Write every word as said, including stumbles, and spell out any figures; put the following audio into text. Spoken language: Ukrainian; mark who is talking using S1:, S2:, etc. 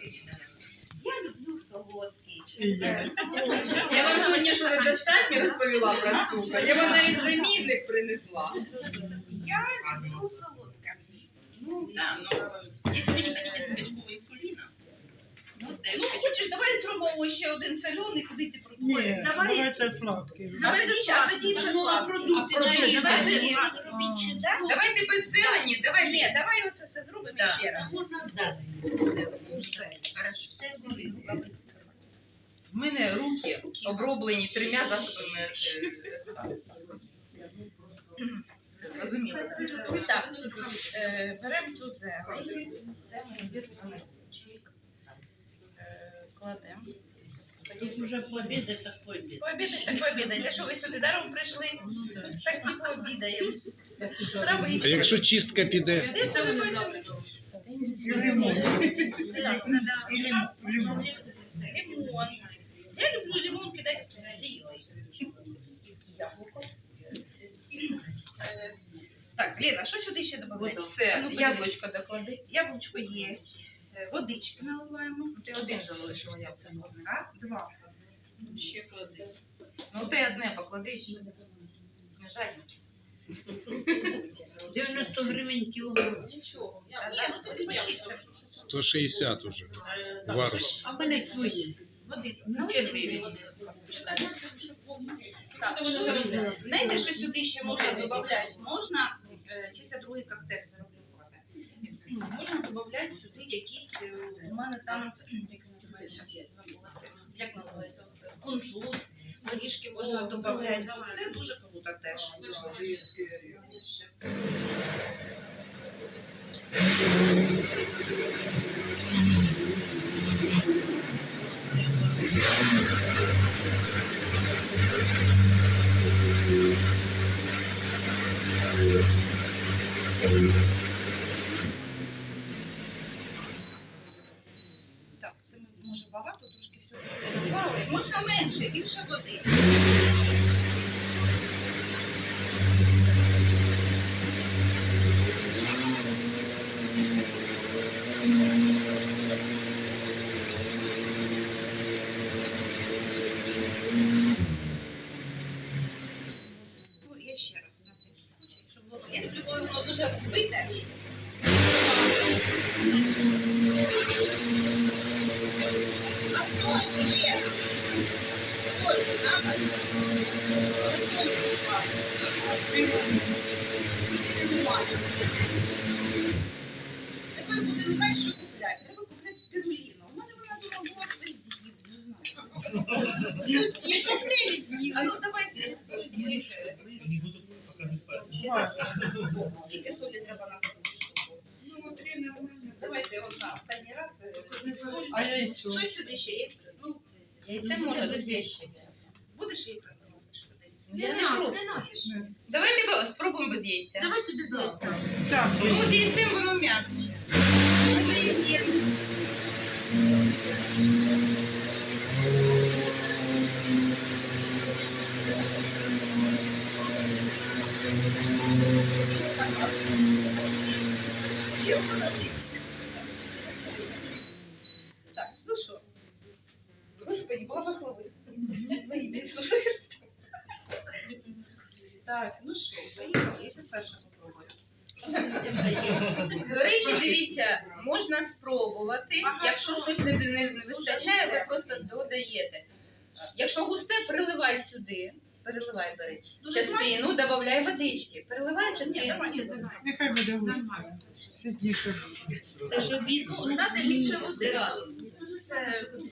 S1: Я люблю солодкий.
S2: Я вам сьогодні що недостатньо розповіла про цукор. Я вам навіть замінник принесла.
S1: Я люблю солодке.
S2: Ну, да, ну, якщо ви не хотите собачкового інсуліна, ну, де
S1: Ну, хочеш, давай зробимо ще один солений, куди ці продукти.
S3: Ні, давайте сладкий.
S1: А тоді, а тоді вже сладкий.
S2: продукти нарізати.
S1: Давай тоді.
S3: А.
S1: Да?
S2: Давайте без зелені, давайте.
S1: Ні, давай оце все зробимо
S2: Да.
S1: ще раз.
S2: Все. Хорошо. У мене руки оброблені трьома засобами. е, Все, зрозуміло.
S1: Так, е, беремо цю зелень. Це ми біркуємо. Кладемо.
S4: Уже пообедать, так пообедать.
S1: Пообідайте, так пообідайте. Що ви сюди даром прийшли? Так не пообідаємо. Травичка.
S5: А якщо чистка піде?
S1: Де це ви бачили?
S3: Лимон.
S1: Що? Лимон. Я люблю лимон кидати силою. Яблуко. Е, Так, Лена, що сюди ще додаємо?
S2: Все, яблучко доклади.
S1: Яблучко є. Водички наливаємо.
S2: Ти один залишила, я все можна.
S1: А? Два.
S2: Ще клади. Ну ти одне поклади ще. Не жаль.
S4: дев'яносто гривень кілограм.
S2: Нічого.
S1: Ні, ну тут почистимо.
S5: сто шістдесят уже. Варус.
S4: А в мене твої.
S1: Води.
S4: Ну,
S1: Налийте
S4: червиві.
S1: мені води. Так, що, знаєте, що сюди ще можна додати? Можна, е, чи це другий коктейль зроблю. Можна додати сюди якісь, е, у мене там, як називається, забулася, як називається оце, кунжут, горішки можна додати. Це дуже круто теж. Так, це може багато, трошки всього сюди додали. Можна менше, більше води. Ну, я ще раз на всякий случай, щоб було. Я люблю, коли воно дуже взбите. А соль є. Соль треба. Але соль немає. Или немає. Тепер будемо знати, що купляти. Треба купляти спіруліну. У мене вона дома була, хтось з'їв, не знаю. Хтось з'їв, коктейлі з'їв. А ну давай всі соль з'їв. Скільки солі треба на таку штуку? Ну, три нормально. Давайте от на останній раз. е, соль.
S3: А яйцо?
S1: Що сюди ще? Яйце? Ну,
S2: Яйце може бути ще.
S1: будеш яйце приносиш кудись?
S4: Не надо, не надо.
S2: Давайте бо- спробуємо без яйця.
S4: Давайте без яйця.
S3: Так,
S2: Ну, з яйцем воно м'якше.
S1: Ще можна налити. Так, ну що? Господи, благослови. Во ім'я Ісуса Христа. Так, ну що, поїхали. Я зараз перша попробую.
S2: До речі, дивіться, можна спробувати.
S1: Ага.
S2: Якщо щось не, не, не вистачає, ви просто додаєте. Якщо густе, переливай сюди. Переливай, до речі.
S1: Дуже
S2: Частину, додай водички. Переливай
S1: Ні,
S2: частину.
S1: давай, давай.
S3: нехай буде густо. Ситніше буде.
S4: Це ж обід.
S1: Дати більше води. Це